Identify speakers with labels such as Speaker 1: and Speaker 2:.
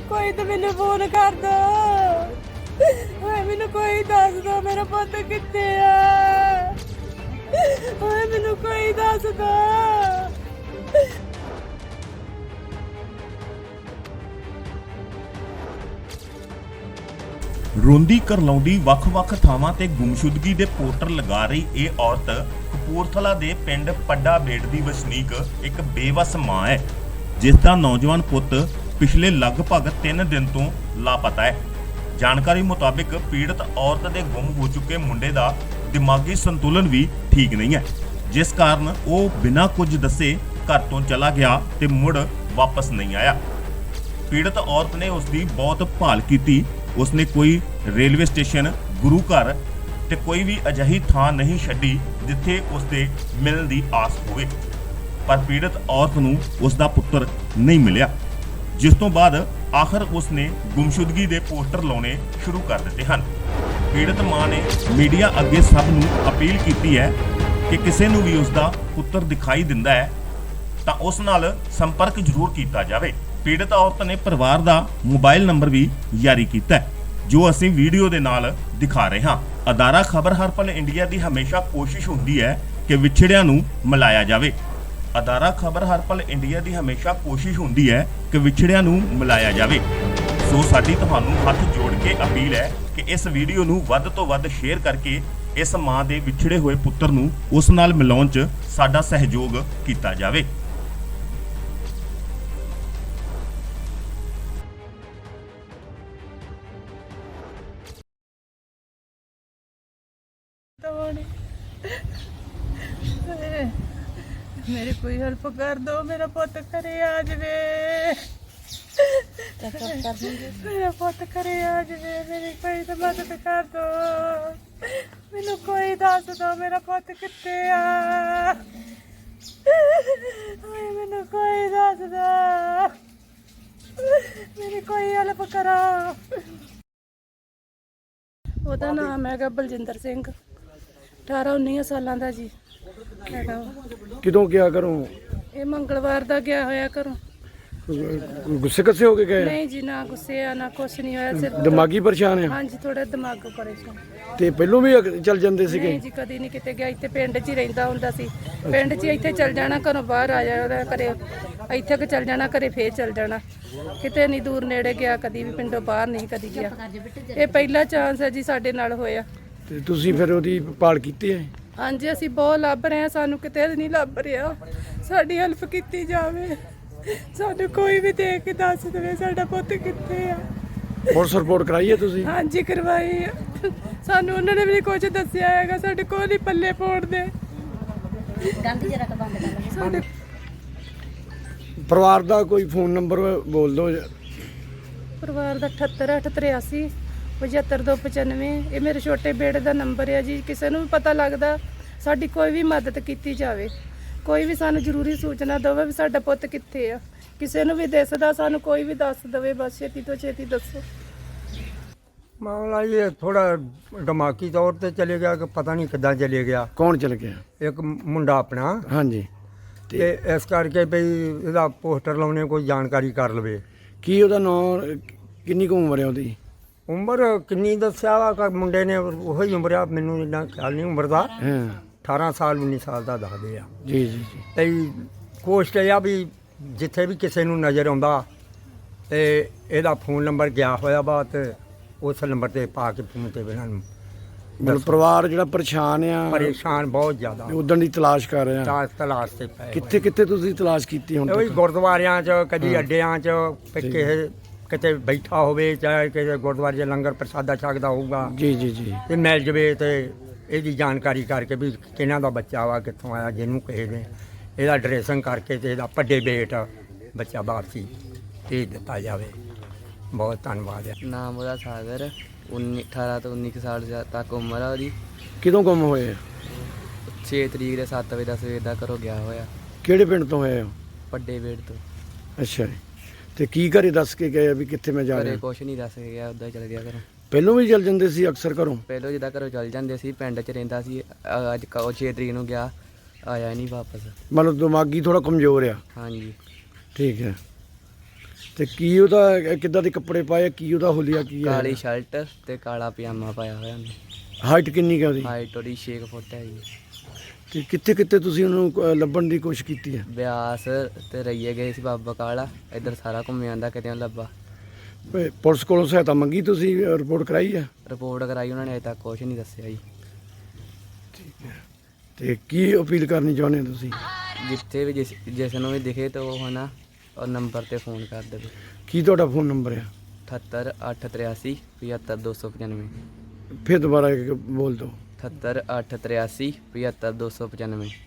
Speaker 1: कोई तो मैंने फोन कर दो। मैनू कोई दस दो मेरा पुत कित्थे आ। मैनू कोई दस दो।
Speaker 2: ਰੋਂਦੀ ਕਰਲਾਉਂਦੀ ਵੱਖ-ਵੱਖ ਥਾਵਾਂ ਤੇ ਗੁੰਮਸ਼ੁਦਗੀ ਦੇ ਪੋਸਟਰ ਲਗਾ ਰਹੀ ਇਹ ਔਰਤ ਕਪੂਰਥਲਾ ਦੇ ਪਿੰਡ ਪੱਡਾ ਬੇੜ ਦੀ ਵਸਨੀਕ ਇੱਕ ਬੇਵਸ ਮਾਂ ਹੈ, ਜਿਸ ਦਾ ਨੌਜਵਾਨ ਪੁੱਤ ਪਿਛਲੇ ਲਗਭਗ 3 ਦਿਨ ਤੋਂ ਲਾਪਤਾ ਹੈ। ਜਾਣਕਾਰੀ ਮੁਤਾਬਿਕ ਪੀੜਤ ਔਰਤ ਦੇ ਗੁੰਮ ਹੋ ਚੁੱਕੇ ਮੁੰਡੇ ਦਾ ਦਿਮਾਗੀ ਸੰਤੁਲਨ ਵੀ ਠੀਕ ਨਹੀਂ ਹੈ, ਜਿਸ ਕਾਰਨ ਉਹ ਬਿਨਾਂ ਕੁਝ ਦੱਸੇ ਘਰ ਤੋਂ ਚਲਾ ਗਿਆ ਤੇ ਮੁੜ ਵਾਪਸ ਨਹੀਂ ਆਇਆ। ਪੀੜਤ ਔਰਤ ਨੇ ਉਸ ਦੀ ਬਹੁਤ ਭਾਲ ਕੀਤੀ। ਉਸਨੇ ਕੋਈ ਰੇਲਵੇ ਸਟੇਸ਼ਨ, ਗੁਰੂ ਘਰ ਤੇ ਕੋਈ ਵੀ ਅਜਿਹੀ ਥਾਂ ਨਹੀਂ ਛੱਡੀ ਜਿੱਥੇ ਉਸਦੇ ਮਿਲਣ ਦੀ ਆਸ ਹੋਵੇ, ਪਰ ਪੀੜਤ ਔਰਤ ਨੂੰ ਉਸ ਦਾ ਪੁੱਤਰ ਨਹੀਂ ਮਿਲਿਆ, ਜਿਸ ਤੋਂ ਬਾਅਦ ਆਖਰ ਉਸਨੇ ਗੁੰਮਸ਼ੁਦਗੀ ਦੇ ਪੋਸਟਰ ਲਾਉਣੇ ਸ਼ੁਰੂ ਕਰ ਦਿੱਤੇ ਹਨ। ਪੀੜਤ ਮਾਂ ਨੇ ਮੀਡੀਆ ਅੱਗੇ ਸਭ ਨੂੰ ਅਪੀਲ ਕੀਤੀ ਹੈ ਕਿ ਕਿਸੇ ਨੂੰ ਵੀ ਉਸ ਦਾ ਪੁੱਤਰ ਦਿਖਾਈ ਦਿੰਦਾ ਹੈ ਤਾਂ ਉਸ ਨਾਲ ਸੰਪਰਕ ਜ਼ਰੂਰ ਕੀਤਾ ਜਾਵੇ। ਪੀੜਤ ਔਰਤ ਨੇ ਪਰਿਵਾਰ ਦਾ ਮੋਬਾਈਲ ਨੰਬਰ ਵੀ ਜਾਰੀ ਕੀਤਾ ਹੈ, ਜੋ ਅਸੀਂ ਵੀਡੀਓ ਦੇ ਨਾਲ ਦਿਖਾ ਰਹੇ ਹਾਂ। ਅਦਾਰਾ ਖਬਰ ਹਰ ਪਲ ਇੰਡੀਆ ਦੀ ਹਮੇਸ਼ਾ ਕੋਸ਼ਿਸ਼ ਹੁੰਦੀ ਹੈ ਕਿ ਵਿਛੜਿਆਂ ਨੂੰ ਮਿਲਾਇਆ ਜਾਵੇ। ਅਦਾਰਾ ਖਬਰ ਹਰ ਪਲ ਇੰਡੀਆ ਦੀ ਹਮੇਸ਼ਾ ਕੋਸ਼ਿਸ਼ ਹੁੰਦੀ ਹੈ ਕਿ ਵਿਛੜਿਆਂ ਨੂੰ ਮਿਲਾਇਆ ਜਾਵੇ। ਸੋ ਸਾਡੀ ਤੁਹਾਨੂੰ ਹੱਥ ਜੋੜ ਕੇ ਅਪੀਲ ਹੈ ਕਿ ਇਸ ਵੀਡੀਓ ਨੂੰ ਵੱਧ ਤੋਂ ਵੱਧ ਸ਼ੇਅਰ ਕਰਕੇ ਇਸ ਮਾਂ ਦੇ ਵਿਛੜੇ ਹੋਏ ਪੁੱਤਰ ਨੂੰ ਉਸ ਨਾਲ ਮਿਲਾਉਣ 'ਚ ਸਾਡਾ ਸਹਿਯੋਗ ਕੀਤਾ ਜਾਵੇ।
Speaker 1: मेरी कोई हेल्प कर दो, मेरा पुत घरे आ जावे। मेरा पुत घरे आ जावे, मेरी कोई तो मदद कर दो। मैनू कोई दस दो मेरा पुत कित्थे आ। मैनू कोई दस दो, मेरी कोई हेल्प करो। ਉਹਦਾ ਨਾਮ ਹੈਗਾ ਬਲਜਿੰਦਰ ਸਿੰਘ, 18-19 ਸਾਲਾਂ ਦਾ ਜੀ ਹੈਗਾ।
Speaker 3: ਕਿਦੋਂ ਗਿਆ ਘਰੋਂ?
Speaker 1: ਇਹ ਮੰਗਲਵਾਰ ਦਾ ਗਿਆ ਹੋਇਆ ਘਰੋਂ।
Speaker 3: ਗੁੱਸੇ ਕੱਸੇ ਹੋ ਕੇ ਗਏ?
Speaker 1: ਨਹੀਂ ਜੀ, ਨਾ ਗੁੱਸੇ ਆ ਨਾ ਕੁਛ ਨਹੀਂ ਹੋਇਆ, ਸਿਰਫ
Speaker 3: ਦਿਮਾਗੀ ਪਰੇਸ਼ਾਨ ਹੈ?
Speaker 1: ਹਾਂਜੀ, ਥੋੜਾ ਦਿਮਾਗ ਪਰੇਸ਼ਾਨ।
Speaker 3: ਤੇ ਪਹਿਲੋਂ ਵੀ ਚੱਲ ਜਾਂਦੇ ਸੀਗੇ?
Speaker 1: ਨਹੀਂ ਜੀ, ਕਦੀ ਨਹੀਂ ਕਿਤੇ ਗਿਆ। ਇੱਥੇ ਪਿੰਡ 'ਚ ਹੀ ਰਹਿੰਦਾ ਹੁੰਦਾ ਸੀ। ਪਿੰਡ 'ਚ ਇੱਥੇ ਚੱਲ ਜਾਣਾ, ਘਰੋਂ ਬਾਹਰ ਆ ਜਾਣਾ, ਘਰੇ ਇੱਥੇ ਕਿ ਚੱਲ ਜਾਣਾ, ਘਰੇ ਫੇਰ ਚੱਲ ਜਾਣਾ। ਕਿਤੇ ਨਹੀਂ ਦੂਰ ਨੇੜੇ ਗਿਆ, ਕਦੀ ਵੀ ਪਿੰਡੋਂ ਬਾਹਰ ਨਹੀਂ ਕਦੀ ਗਿਆ। ਇਹ ਪਹਿਲਾ ਚਾਂਸ ਹੈ ਜੀ ਸਾਡੇ ਨਾਲ ਹੋਇਆ।
Speaker 3: ਤੇ ਤੁਸੀਂ ਫਿਰ ਉਹਦੀ ਭਾਲ ਕੀਤੀ ਹੈ?
Speaker 1: ਹਾਂਜੀ, ਅਸੀਂ ਬਹੁਤ ਲੱਭ ਰਹੇ ਹਾਂ, ਸਾਨੂੰ ਕਿਤੇ ਨਹੀਂ ਲੱਭ ਰਿਹਾ। ਸਾਡੀ ਹੈਲਪ ਕੀਤੀ ਜਾਵੇ, ਸਾਨੂੰ ਕੋਈ ਵੀ ਦੇਖ ਕੇ ਦੱਸ ਦੇਵੇ ਸਾਡਾ ਪੁੱਤ ਕਿੱਥੇ ਆ।
Speaker 3: ਪੁਲਿਸ ਰਿਪੋਰਟ ਕਰਾਈ ਹੈ ਤੁਸੀਂ?
Speaker 1: ਹਾਂਜੀ, ਕਰਵਾਈ ਆ। ਸਾਨੂੰ ਉਹਨਾਂ ਨੇ ਵੀ ਕੁਝ ਦੱਸਿਆ ਹੈਗਾ, ਸਾਡੇ ਕੋਲ ਹੀ ਪੱਲੇ ਪਾਉਣ ਦੇ। ਸਾਡੇ
Speaker 3: ਪਰਿਵਾਰ ਦਾ ਕੋਈ ਫੋਨ ਨੰਬਰ ਬੋਲ ਦਿਓ।
Speaker 1: ਪਰਿਵਾਰ ਦਾ 78-883 75-295। ਇਹ ਮੇਰੇ ਛੋਟੇ ਬੇੜੇ ਦਾ ਨੰਬਰ ਹੈ ਜੀ। ਕਿਸੇ ਨੂੰ ਵੀ ਪਤਾ ਲੱਗਦਾ, ਸਾਡੀ ਕੋਈ ਵੀ ਮਦਦ ਕੀਤੀ ਜਾਵੇ। ਕੋਈ ਵੀ ਸਾਨੂੰ ਜ਼ਰੂਰੀ ਸੂਚਨਾ ਦੇਵੇ ਵੀ ਸਾਡਾ ਪੁੱਤ ਕਿੱਥੇ ਆ। ਕਿਸੇ ਨੂੰ ਵੀ ਦਿਸਦਾ ਸਾਨੂੰ ਕੋਈ ਵੀ ਦੱਸ ਦੇਵੇ, ਬਸ ਛੇਤੀ ਤੋਂ ਛੇਤੀ ਦੱਸੋ।
Speaker 4: ਮਾਮਲਾ ਇਹ ਥੋੜਾ ਦਿਮਾਗੀ ਤੌਰ ਤੇ ਚਲੇ ਗਿਆ ਕਿ ਪਤਾ ਨਹੀਂ ਕਿੱਦਾਂ ਚਲੇ ਗਿਆ।
Speaker 3: ਕੌਣ ਚਲ ਗਿਆ?
Speaker 4: ਇੱਕ ਮੁੰਡਾ ਆਪਣਾ।
Speaker 3: ਹਾਂਜੀ।
Speaker 4: ਤੇ ਇਸ ਕਰਕੇ ਵੀ ਇਹਦਾ ਪੋਸਟਰ ਲਾਉਣੇ ਕੋਈ ਜਾਣਕਾਰੀ ਕਰ ਲਵੇ।
Speaker 3: ਕੀ ਉਹਦਾ ਨਾਂ, ਕਿੰਨੀ ਕੁ ਉਮਰ ਹੈ ਉਹਦੀ?
Speaker 4: ਉਮਰ ਕਿੰਨੀ ਦੱਸਿਆ ਵਾ ਮੁੰਡੇ ਨੇ? ਉਹੀ ਉਮਰ ਆ, ਮੈਨੂੰ ਇੰਨਾ ਖਿਆਲ ਨਹੀਂ ਉਮਰ ਦਾ।
Speaker 3: ਹਾਂ,
Speaker 4: 18 ਸਾਲ 19 ਸਾਲ ਦਾ ਦੱਸਦੇ ਆ।
Speaker 3: ਜੀ ਜੀ ਜੀ।
Speaker 4: ਤੇ ਕੋਸ਼ਿਸ਼ ਇਹ ਆ ਵੀ ਜਿੱਥੇ ਵੀ ਕਿਸੇ ਨੂੰ ਨਜ਼ਰ ਆਉਂਦਾ ਤੇ ਇਹਦਾ ਫੋਨ ਨੰਬਰ ਗਿਆ ਹੋਇਆ ਵਾ, ਤੇ ਉਸ ਨੰਬਰ ਤੇ ਪਾ ਕੇ ਫੋਨ ਤੇ ਇਹਨਾਂ ਨੂੰ
Speaker 3: ਮਤਲਬ ਪਰਿਵਾਰ ਜਿਹੜਾ ਪਰੇਸ਼ਾਨ ਆ,
Speaker 4: ਪਰੇਸ਼ਾਨ ਬਹੁਤ ਜ਼ਿਆਦਾ,
Speaker 3: ਉਦਣ ਦੀ ਤਲਾਸ਼ ਕਰ ਰਹੇ ਆ।
Speaker 4: ਤਲਾਸ਼ ਤੇ ਪਏ
Speaker 3: ਕਿੱਥੇ ਕਿੱਥੇ ਤੁਸੀਂ ਤਲਾਸ਼ ਕੀਤੀ ਹੁਣ
Speaker 4: ਉਹੀ
Speaker 3: ਤੱਕ?
Speaker 4: ਗੁਰਦੁਆਰਿਆਂ 'ਚ, ਕਦੀ ਅੱਡਿਆਂ 'ਚ, ਕਿਸੇ ਕਿਤੇ ਬੈਠਾ ਹੋਵੇ, ਚਾਹੇ ਕਿਸੇ ਗੁਰਦੁਆਰੇ 'ਚ ਲੰਗਰ ਪ੍ਰਸ਼ਾਦਾ ਛਕਦਾ ਹੋਊਗਾ,
Speaker 3: ਜੀ ਜੀ ਜੀ।
Speaker 4: ਤੇ ਮਿਲ ਜਵੇ ਤੇ ਇਹਦੀ ਜਾਣਕਾਰੀ ਕਰਕੇ ਵੀ ਕਿਹਨਾਂ ਦਾ ਬੱਚਾ ਵਾ, ਕਿੱਥੋਂ ਆਇਆ, ਜਿਹਨੂੰ ਕਿਸੇ ਨੇ ਇਹਦਾ ਡਰੈਸਿੰਗ ਕਰਕੇ ਤੇ ਇਹਦਾ ਵੱਡੇ ਬੇਟ ਬੱਚਾ ਬਾਹਰ ਸੀ ਭੇਜ ਦਿੱਤਾ ਜਾਵੇ। ਬਹੁਤ ਧੰਨਵਾਦ ਹੈ।
Speaker 5: ਨਾਮ ਉਹਦਾ ਸਾਗਰ, 18 ਤੋਂ 19 ਸਾਲ ਤੱਕ ਉਮਰ ਆ ਉਹਦੀ।
Speaker 3: ਕਿਦੋਂ ਗੁੰਮ ਹੋਏ?
Speaker 5: 6 ਤਰੀਕ ਦੇ 7 ਵਜੇ ਦਾ ਸਵੇਰ ਦਾ ਘਰੋਂ ਗਿਆ ਹੋਇਆ।
Speaker 3: ਕਿਹੜੇ ਪਿੰਡ ਤੋਂ ਹੋਏ ਹੋ?
Speaker 5: ਵੱਡੇ ਵੇੜ ਤੋਂ।
Speaker 3: ਅੱਛਾ ਜੀ। ਤੇ ਕੀ ਘਰੇ ਦੱਸ ਕੇ ਗਏ ਵੀ ਕਿੱਥੇ ਮੈਂ ਜਾ
Speaker 5: ਘਰੇ
Speaker 3: ਰਿਹਾ?
Speaker 5: ਕੁਛ ਨਹੀਂ ਦੱਸ ਕੇ ਗਿਆ, ਉੱਦਾਂ ਚਲ ਗਿਆ ਘਰੋਂ।
Speaker 3: ਪਹਿਲੋਂ ਵੀ ਚੱਲ ਜਾਂਦੇ ਸੀ ਅਕਸਰ ਘਰੋਂ?
Speaker 5: ਪਹਿਲੋਂ ਜਿੱਦਾਂ ਘਰੋਂ ਚੱਲ ਜਾਂਦੇ ਸੀ, ਪਿੰਡ 'ਚ ਰਹਿੰਦਾ ਸੀ। ਅੱਜ 6 ਤਰੀਕ ਨੂੰ ਗਿਆ, ਆਇਆ ਨਹੀਂ ਵਾਪਸ।
Speaker 3: ਮਤਲਬ ਦਿਮਾਗੀ ਥੋੜਾ ਕਮਜ਼ੋਰ ਆ?
Speaker 5: ਹਾਂਜੀ।
Speaker 3: ਠੀਕ ਹੈ। ਤੇ ਕੀ ਉਹਦਾ ਕਿੱਦਾਂ ਦੇ ਕੱਪੜੇ ਪਾਏ, ਕੀ ਉਹਦਾ ਹੁਲੀਆ ਕੀ ਹੈ?
Speaker 5: ਕਾਲੀ ਸ਼ਰਟ ਤੇ ਕਾਲਾ ਪਜਾਮਾ ਪਾਇਆ ਹੋਇਆ ਉਹਨੇ।
Speaker 3: ਹਾਈਟ ਕਿੰਨੀ ਕੁ ਹੈ ਉਹਦੀ?
Speaker 5: ਹਾਈਟ ਉਹਦੀ 6 ਫੁੱਟ ਹੈ ਜੀ।
Speaker 3: ਤੇ ਕਿੱਥੇ ਕਿੱਥੇ ਤੁਸੀਂ ਉਹਨੂੰ ਲੱਭਣ ਦੀ ਕੋਸ਼ਿਸ਼ ਕੀਤੀ ਹੈ?
Speaker 5: ਬਿਆਸ ਤੇ ਰਈਏ ਗਏ ਸੀ ਬਾਬਾ ਕਾਲਾ, ਇੱਧਰ ਸਾਰਾ ਘੁੰਮ ਜਾਂਦਾ, ਕਿਤੇ ਨਹੀਂ ਲੱਭਾ।
Speaker 3: ਪੁਲਿਸ ਕੋਲੋਂ ਸਹਾਇਤਾ ਮੰਗੀ, ਤੁਸੀਂ ਰਿਪੋਰਟ ਕਰਾਈ ਹੈ?
Speaker 5: ਰਿਪੋਰਟ ਕਰਾਈ ਉਹਨਾਂ ਨੇ, ਅਜੇ ਤੱਕ ਕੁਛ ਨਹੀਂ ਦੱਸਿਆ ਜੀ।
Speaker 3: ਤੇ ਕੀ ਅਪੀਲ ਕਰਨੀ ਚਾਹੁੰਦੇ ਹੋ ਤੁਸੀਂ?
Speaker 5: ਜਿੱਥੇ ਵੀ ਜਿਸ ਨੂੰ ਵੀ ਦਿਖੇ ਤਾਂ ਉਹ ਹਨਾ ਉਹ ਨੰਬਰ ਤੇ ਫੋਨ ਕਰ ਦੇਵੇ।
Speaker 3: ਕੀ ਤੁਹਾਡਾ ਫੋਨ ਨੰਬਰ ਹੈ?
Speaker 5: 78 883 75 295।
Speaker 3: ਫਿਰ ਦੁਬਾਰਾ ਬੋਲ ਦਿਓ।
Speaker 5: 78 883 75 295।